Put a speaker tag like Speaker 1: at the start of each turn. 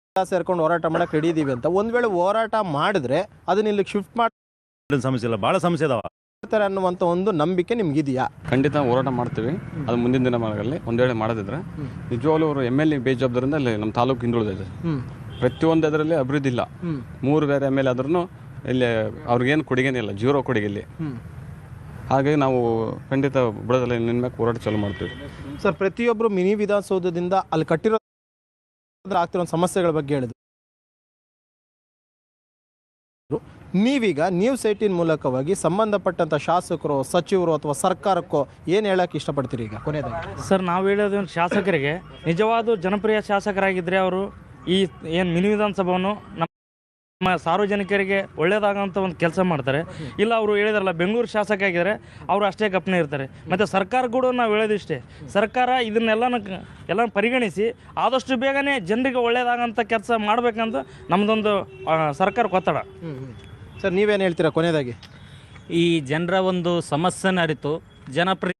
Speaker 1: ಸೇರ್ಕೊಂಡು ಹೋರಾಟ ಮಾಡಕ್ಕೆ ರೆಡಿ ಇದೀವಿ ಅಂತ. ಒಂದು ವೇಳೆ ಹೋರಾಟ ಮಾಡಿದ್ರೆ ಅದನ್ನ ಇಲ್ಲಿಗೆ ಶಿಫ್ಟ್ ಮಾಡಿ
Speaker 2: ಸಮಸ್ಯೆ ಇಲ್ಲ, ಭಾಳ ಸಮಸ್ಯೆ ಇದಾವೆ
Speaker 1: ಅನ್ನುವಂಥ ಒಂದು ನಂಬಿಕೆ ನಿಮ್ಗಿದೆಯಾ?
Speaker 3: ಖಂಡಿತ ಹೋರಾಟ ಮಾಡ್ತೀವಿ. ಅದು ಮುಂದಿನ ದಿನಮಾನಗಳಲ್ಲಿ ಒಂದು ವೇಳೆ ಮಾಡೋದಿದ್ರೆ ನಿಜವಾಗ್ಲೂ ಅವರು MLA ಬೇಜವಾಬ್ದಾರಿಂದ ಅಲ್ಲಿ ನಮ್ಮ ತಾಲೂಕು ಹಿಂದುಳಿದಿದೆ. ಪ್ರತಿಯೊಂದು ಅದರಲ್ಲಿ ಅಭಿವೃದ್ಧಿ ಇಲ್ಲ. 3 ಬೇರೆ MLA ಆದ್ರೂ ಇಲ್ಲಿ ಅವ್ರಿಗೇನು ಕೊಡುಗೆನೇ ಇಲ್ಲ, 0 ಕೊಡುಗೆ ಇಲ್ಲಿ. ಹಾಗಾಗಿ ನಾವು ಖಂಡಿತ ಬಿಡೋದಲ್ಲ, ನಿನ್ಮ್ಯಾಗ ಹೋರಾಟ ಚಾಲು ಮಾಡ್ತೀವಿ.
Speaker 1: ಸರ್, ಪ್ರತಿಯೊಬ್ಬರು ಮಿನಿ ವಿಧಾನಸೌಧದಿಂದ ಅಲ್ಲಿ ಕಟ್ಟಿರೋ ಆಗ್ತಿರೋ ಸಮಸ್ಯೆಗಳ ಬಗ್ಗೆ ಹೇಳಿದ್ರು. ನೀವೀಗ ನ್ಯೂಸ್ 18 ಮೂಲಕವಾಗಿ ಸಂಬಂಧಪಟ್ಟಂಥ ಶಾಸಕರು, ಸಚಿವರು ಅಥವಾ ಸರ್ಕಾರಕ್ಕೋ ಏನು ಹೇಳಕ್ಕೆ ಇಷ್ಟಪಡ್ತೀರಿ ಈಗ ಕೊನೆಯದಾಗಿ?
Speaker 4: ಸರ್, ನಾವು ಹೇಳೋದು ಶಾಸಕರಿಗೆ ನಿಜವಾದ ಜನಪ್ರಿಯ ಶಾಸಕರಾಗಿದ್ದರೆ ಅವರು ಈ ಏನು ಮಿನಿ ವಿಧಾನಸಭೆಯನ್ನು ನಮ್ಮ ಸಾರ್ವಜನಿಕರಿಗೆ ಒಳ್ಳೆಯದಾಗೋಂಥ ಒಂದು ಕೆಲಸ ಮಾಡ್ತಾರೆ. ಇಲ್ಲ ಅವರು ಹೇಳಿದಾರಲ್ಲ, ಬೆಂಗಳೂರು ಶಾಸಕ ಆಗಿದ್ದಾರೆ, ಅವರು ಅಷ್ಟೇ ಗಪ್ನೆ ಇರ್ತಾರೆ. ಮತ್ತು ಸರ್ಕಾರ ಕೂಡ ನಾವು ಹೇಳೋದಿಷ್ಟೇ, ಸರ್ಕಾರ ಇದನ್ನೆಲ್ಲ ಪರಿಗಣಿಸಿ ಆದಷ್ಟು ಬೇಗನೆ ಜನರಿಗೆ ಒಳ್ಳೆಯದಾಗೋಂಥ ಕೆಲಸ ಮಾಡಬೇಕಂತ ನಮ್ಮದೊಂದು ಸರ್ಕಾರಕ್ಕೆ ಒತ್ತಡ.
Speaker 1: ಸರ್, ನೀವೇನು ಹೇಳ್ತೀರಾ ಕೊನೆಯದಾಗಿ?
Speaker 5: ಈ ಜನರ ಒಂದು ಸಮಸ್ಯೆನ ಅರಿತು